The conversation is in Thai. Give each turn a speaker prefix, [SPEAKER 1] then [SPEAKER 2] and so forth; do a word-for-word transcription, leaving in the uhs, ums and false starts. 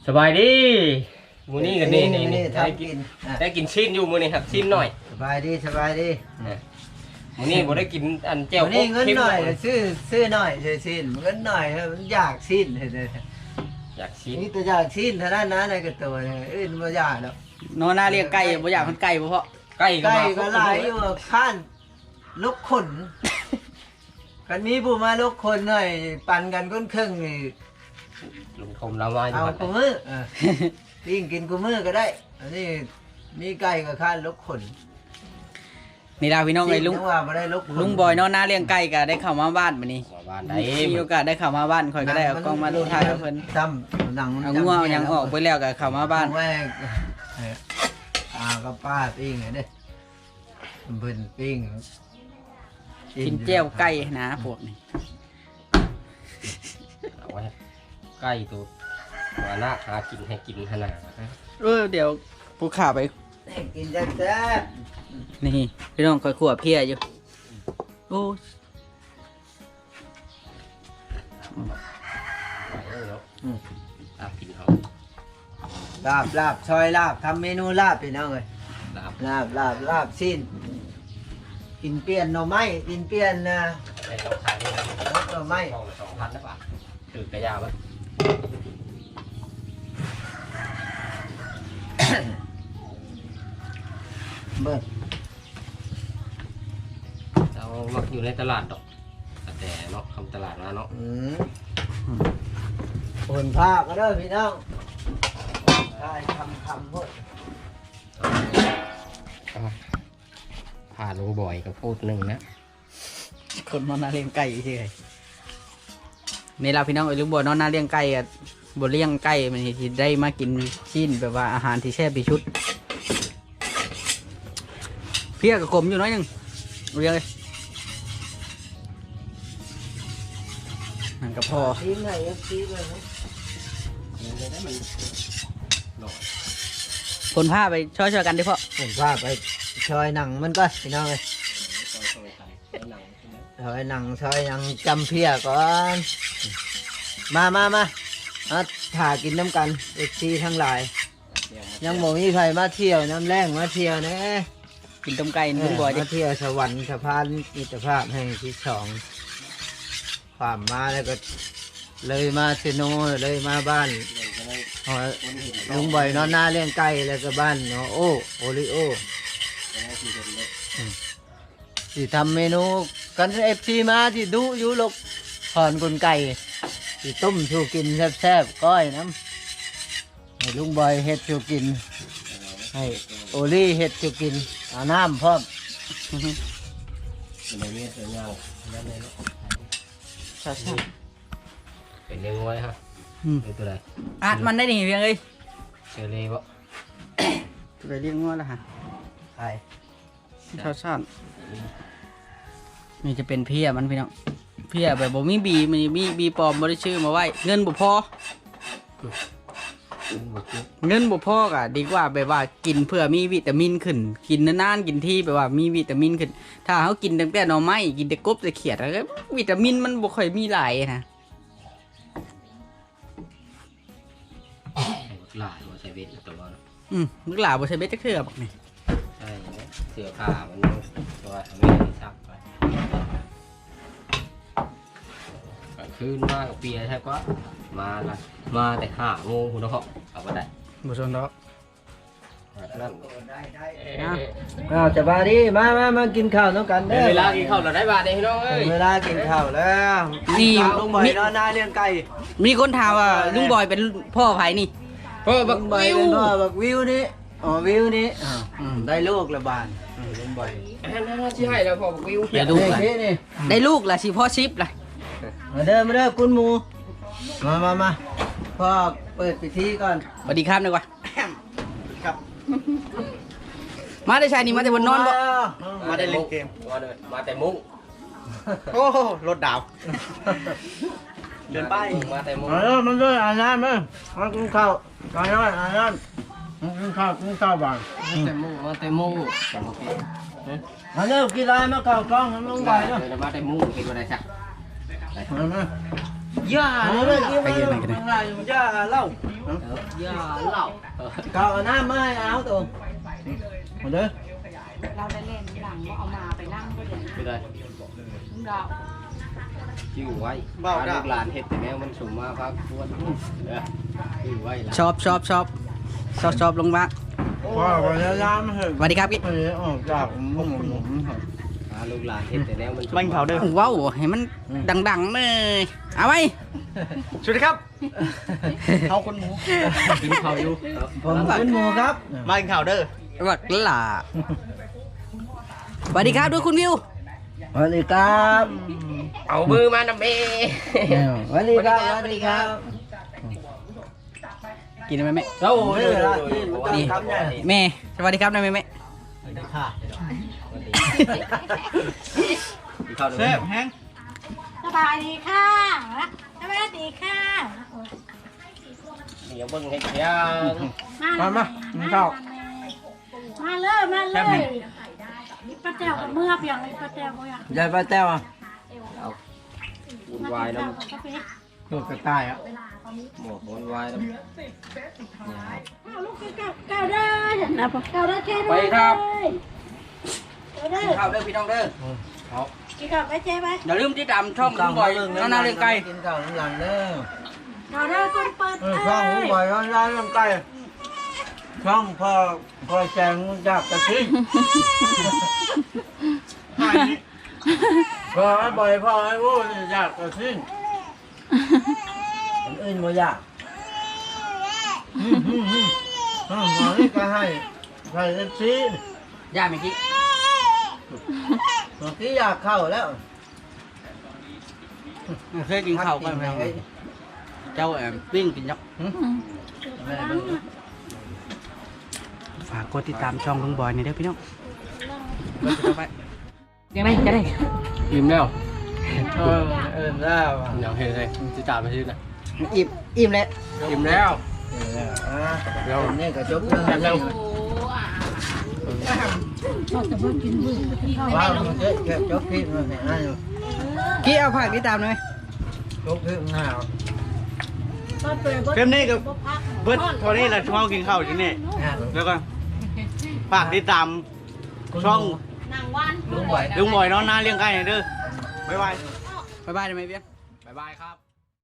[SPEAKER 1] สบายดีมื้อนี้กันนี่นี่นี่ได้กิน
[SPEAKER 2] อ่ะ
[SPEAKER 1] ได้กินชิ้นอยู่มื้อนี้ครับชิ้นหน่อย
[SPEAKER 2] สบายดีสบายดี
[SPEAKER 1] มื้อนี้บ่ได้กินอันแจ่ว
[SPEAKER 2] วันนี้เงิน
[SPEAKER 1] ค็ม
[SPEAKER 2] หน่อยซื้อซื้อหน่อยซื้อสิ้นเงินหน่อยมันอยากสิ้นเลย
[SPEAKER 1] อยากชิ้น
[SPEAKER 2] นี่แต่อยากสิ้นเท่านั้นนะในกระตัวเนี่ยอื่นไม่อยากแล้ว
[SPEAKER 3] นอนหน้าเรียกไก่บ่อยากมันไก่บ่เพาะ
[SPEAKER 1] ใกล้ก็
[SPEAKER 2] ไก่
[SPEAKER 1] มา
[SPEAKER 2] ก็หลายอยู่ข้านลูกขนกันมีผู้มาลูกคนหน่อยปั่นกันก้นครึ่งนี่
[SPEAKER 1] ลุงคมเรามาอยู่
[SPEAKER 2] เอา
[SPEAKER 1] ครับ
[SPEAKER 2] กูมือเออปิ้งกินกูมือก็ได้อันนี้มีไก่กับข้านลูกขน
[SPEAKER 3] นี่ล่ะพี่น้องไอ้ลุง
[SPEAKER 2] จัว่าไม่ได้ลูกขน
[SPEAKER 3] ลุงบอยนอนหน้าเลี้ยงไก่ก็ได้เข้ามาบ้านมื้อนี้
[SPEAKER 1] มาบ้านได้
[SPEAKER 3] มีโอกาสได้เข้ามาบ้านข่อยก็ได้เอากล้องมาดูถ่ายกับเพิ่น
[SPEAKER 2] จำหนัง
[SPEAKER 3] เอางัวเอาหยังออกไปแล้วก็เข้ามาบ้าน
[SPEAKER 2] แม่อากับป้าปิ้งไงเด้เพิ่นปิ้ง
[SPEAKER 3] กินแจ่วไก่นะพวกนี้
[SPEAKER 1] เอาไว้ใกล้ตัวมาหน้าหากินให้กินขนาดนะ
[SPEAKER 3] เออเดี๋ยวผู้ข่าไป
[SPEAKER 2] กินแซ่บ
[SPEAKER 3] นี่พี่น้องข่อยขั่วเพียอยู่โอ้
[SPEAKER 1] ไหวแล้วตามกินเขา
[SPEAKER 2] ๆลาบลาบซอยลาบทำเมนูลาบพี่น้องเลย
[SPEAKER 1] ตาม
[SPEAKER 2] ลาบลาบลาบสิ้นกินเปลี่ยนหน่อไม้กินเปลี่ยนนะ
[SPEAKER 1] ไอ้เราขายได้
[SPEAKER 2] หน่อไม้
[SPEAKER 1] สองสองพันนะป่ะถือกระยาบ้าง
[SPEAKER 2] เบิ่ง
[SPEAKER 1] เรามักอยู่ในตลาดดอกแต่เนาะคำตลาดมาเนาะ
[SPEAKER 2] อืมผลผ้าก็เด้อพี่น้องได้คำคำพด
[SPEAKER 1] พาลุงบ่อยกับพูดหนึ่งนะ
[SPEAKER 3] คนนอนหน้าเลี้ยงไก่เฉยนี่ล่ะพี่น้องไอ้ลุงบอยนอนหน้าเลี้ยงไก่ก็บ่เลี้ยงไก่มันสิได้มากินชิ้นแบบว่าอาหารที่แซ่บที่สุดเพียกับกลมอยู่น้อยหนึงเรียงเลยนั่นก็พอ
[SPEAKER 2] ทีมไหนเอฟซีเลยนะ
[SPEAKER 3] คนผ้าไปช่วยๆกันดิพ่อ
[SPEAKER 2] ผมพาไปซอยหนังมันก็พี่น้องเลยซอยหนังซอยหนังจำเพียก่อนมามามามาถ่ากินน้ำกันเอฟซีทั้งหลาย ยังบ่มีใครมาเที่ยวน้ำแรงมาเที่ยวนะ
[SPEAKER 3] กินต้มไก่ลุงบอยดิ
[SPEAKER 2] มาเที่ยวสวรรค์สะพานมิตรภาพแห่งที่สองความมาแล้วก็เลยมาเซโนเลยมาบ้านหอลุงบ่อยนอนหน้าเลี้ยงไก่แล้วก็บ้านเนาะโอโอริโอที่ทำเมนูกันเอฟซีมาที่ดูอยู่ลกถอนกลไก่ที่ต้มชูกินแซ่บๆก้อยน้ำให้ลุงบ่อยเฮ็ดชูกินให้โอลี่เฮ็ดชูกินเอาน้ำพร้อม
[SPEAKER 1] เป็นในเมียเป็นเงาแล้วในเนาะ
[SPEAKER 3] ใช่ใช่
[SPEAKER 1] เป็นเลี้ยงไว้ฮะเป็นตัวใด
[SPEAKER 3] อัดมันได้ดิเพียงเอ้ย
[SPEAKER 1] เชอรี่บ่
[SPEAKER 3] ไปเลี้ยงงัวแล้วฮะ
[SPEAKER 2] ใช่
[SPEAKER 3] ชาวชาตินี่จะเป็นเพียมันพี่น้องเพียแบบบ่มีบีมันมีบีปลอมบ่ได้ชื่อมาไว้เงินบ่พอเงินบ่พอก็ดีกว่าแบบว่ากินเพื่อมีวิตามินขึ้น กินนานๆกินที่แบบว่ามีวิตามินขึ้น ถ้าเขากินตั้งแต่หน่อไม้กินแต่กบแต่เขียดแล้ววิตามินมันบ่ค่อยมีหลายนะ
[SPEAKER 1] หลายว่าใช้เวทตัวเนาะ
[SPEAKER 3] อืมลูกหลานบ่ใช่เบ็ดจักเทื่อบักนี่
[SPEAKER 1] ใช่เสือผ้ามันยังตัวทำให้ซักไปกลางคืนมากับเปียใช่ปะมาละมาแต่ห้าโมงคุณพ่อเอาไปได้
[SPEAKER 3] บ่สนดอก
[SPEAKER 1] นั่น
[SPEAKER 2] ได้ได้
[SPEAKER 1] เอ๊ะ
[SPEAKER 2] อ้าวจะบาดีมามามากินข้าวน้องกัน
[SPEAKER 1] เว
[SPEAKER 2] เด้อ
[SPEAKER 1] ลากินข้าวเราได้บาทเองพี่น้องเอ้ย
[SPEAKER 2] เวลากินข้าวแล้ว
[SPEAKER 3] นี่
[SPEAKER 2] ลุงบ่อยนอนหน้าเลี้ยงไก่
[SPEAKER 3] มีคนถามว่าลุงบอยเป็นพ่อไผนี่
[SPEAKER 1] เพราะบัก
[SPEAKER 2] ลุงบ่อย
[SPEAKER 1] วิว
[SPEAKER 2] เป็นพ่อบักวิวนี่อ๋อวิวนี่อ้าวอืมได้ลูกละบานอืมลุงบ่อย
[SPEAKER 1] นั่นน่าที่ให้แล้วพอบักวิว
[SPEAKER 3] เดี๋ยวดู
[SPEAKER 2] เด็กนี่นี่
[SPEAKER 3] ได้ลูกละสิพ่อชิปละ
[SPEAKER 2] มาเด้อมาเด้อคุณหมูมามามาพ่อเปิดพิธีก่อน
[SPEAKER 3] สวัสดีครับดีกว่า
[SPEAKER 2] ครับ
[SPEAKER 3] มาได้ชายนี่มาแต่บนนอนบ่
[SPEAKER 1] มาได้เล่นเกมมาเลยมาแต่มุ้ง
[SPEAKER 3] โอ้รถดาว
[SPEAKER 1] เดินไปมาแต่มุ้ง
[SPEAKER 2] มาเด้อมาเด้ออ่านน้ำมามากินข้าวอ่านน้ำอ่านน้ำกินข้าวกินข้าวบ้าง
[SPEAKER 1] มาแต่มุ้งมาแต่มุ้ง
[SPEAKER 2] มาเด้อกินอะไรมาข้าวกล้องให้ลุงบ่อยเด้อ
[SPEAKER 1] เดี๋ยวมาแต่มุ้งกินอะไรสัก
[SPEAKER 2] มามาย่าเลย
[SPEAKER 3] ไปยืนไหนกันเนี่ย
[SPEAKER 2] ย่าเล่า
[SPEAKER 1] ย่าเหล่า
[SPEAKER 2] เก่าน้ำมาให้เอาตัวมาเด้อ
[SPEAKER 4] เราได้เล่นหลังว่าเอามาไปนั่งก็เดี๋ยว
[SPEAKER 1] ไม่ได้
[SPEAKER 4] ลุงดาว
[SPEAKER 1] ชื่อไว้ลูกหลานเห็ดแต่แนวมันสมมาพักทวนเด้อชื่อไว้ละ
[SPEAKER 3] ชอบชอบชอบชอบชอบลงมา
[SPEAKER 2] พ่อพยายามเหอะ
[SPEAKER 3] สวัสดีครับพี่
[SPEAKER 2] ไม่ได้ออกจากหมุมหมุม
[SPEAKER 1] หาลูกหลานเห็ดแต่แนวมันสม
[SPEAKER 5] บังเผาเด้อ
[SPEAKER 3] ว้าวให้มันดังๆเลยเอาไว้
[SPEAKER 5] สวัสดีครับเขาคนหมู
[SPEAKER 1] กินข้าวอยู่
[SPEAKER 2] ผมเป็นหมูครับ
[SPEAKER 5] บังเผาเด้อ
[SPEAKER 3] วัดล่ะสวัสดีครับด้วยคุณวิว
[SPEAKER 2] สวัสดีครับ
[SPEAKER 1] เอามือมานำเม
[SPEAKER 2] สวัสดีครับสวัสดีครับ
[SPEAKER 3] กินได้ไหมแม่
[SPEAKER 1] โอ้โห
[SPEAKER 3] นี่แม่สวัสดีครับนายแม่แม่
[SPEAKER 2] ค่ะ
[SPEAKER 5] เซ่บแห้ง
[SPEAKER 4] สบายดีค่ะสบายดีค่ะ
[SPEAKER 1] เดี๋ยวเบิ่งให้ยัง
[SPEAKER 4] มามาเข้ามาเลยมาเลยป้าแต้วกับเมื่อเพียงเลยป้าแต้วเมื่อย
[SPEAKER 2] ายป้าแต้วอ่ะ
[SPEAKER 1] วุ่นวายแล้ว
[SPEAKER 2] ตัวกระต่ายอ่ะ
[SPEAKER 1] หมดวุ่นวายแล้ว
[SPEAKER 4] ลูกเก้าเก้าได้นะพ่อเก้าได้แค่
[SPEAKER 3] ไปครับ
[SPEAKER 4] เก้าได้
[SPEAKER 3] ข้าวเด้อพี่น้องเด้อ
[SPEAKER 4] กินกับไปเจ๊ไป
[SPEAKER 3] อย่าลืมที่ตามช่องลุงบอยน้านาเลี้ยงไก่
[SPEAKER 2] กินข้าวน้ำหลังเด้อ
[SPEAKER 4] เก้าได้คนเปิด
[SPEAKER 2] เออช่องผมบ่อยร้อนร้านน้ำไก่ช่องพ่อพ่อแจงจากกระทิงพ่อให้บ่อยพ่อให้วู้อยากกระทิงคนอื่นบ่อยากอืมอืมอืมอืมหมอนี่ก็ให้ให้เอฟซี
[SPEAKER 3] ย่าเมื่อกี้
[SPEAKER 2] เมื่อกี้อยากเข้าแล้ว
[SPEAKER 3] เคยกินข้าวกันไหมเจ้าแอมปิ้งกินยักษ์
[SPEAKER 2] แม่เบิ่ง
[SPEAKER 3] ฝากกดติดตามช่องลุงบอยหน่อยเด้อพี่น้องยังไงจะได้
[SPEAKER 1] อิ่มแล้ว
[SPEAKER 2] เออเออแล้วอ่ะ
[SPEAKER 1] อย่างเห็นเลยจะจ่ายไปชื่อนะ
[SPEAKER 3] อิ่มอิ่มแล้ว
[SPEAKER 1] อิ่มแล้ว
[SPEAKER 2] เออแล้วอ่ะเดี๋ยวนี่ก็จบเรื่องแล้วว้าวมันเจ๊เก็บจบคลิปมาเนี่ยอ่ะอยู่
[SPEAKER 3] กี้เอาผักติดตามหน่อย
[SPEAKER 2] จบคลิปหน้า
[SPEAKER 5] เฟรมนี่กับเบิร์ดโทนี่แหละช่องกินข้าวที่นี่
[SPEAKER 2] อ่ะ
[SPEAKER 5] แล้วก็ฝากติดตามช่อง
[SPEAKER 4] นางวัน
[SPEAKER 2] ลุงไหว
[SPEAKER 5] ลุงบอยน้องนาเลี้ยงไก่หน่อยเด้อบ๊ายบาย
[SPEAKER 3] บ๊ายบายได้ไหมเบี้ย
[SPEAKER 1] บ๊ายบายครับ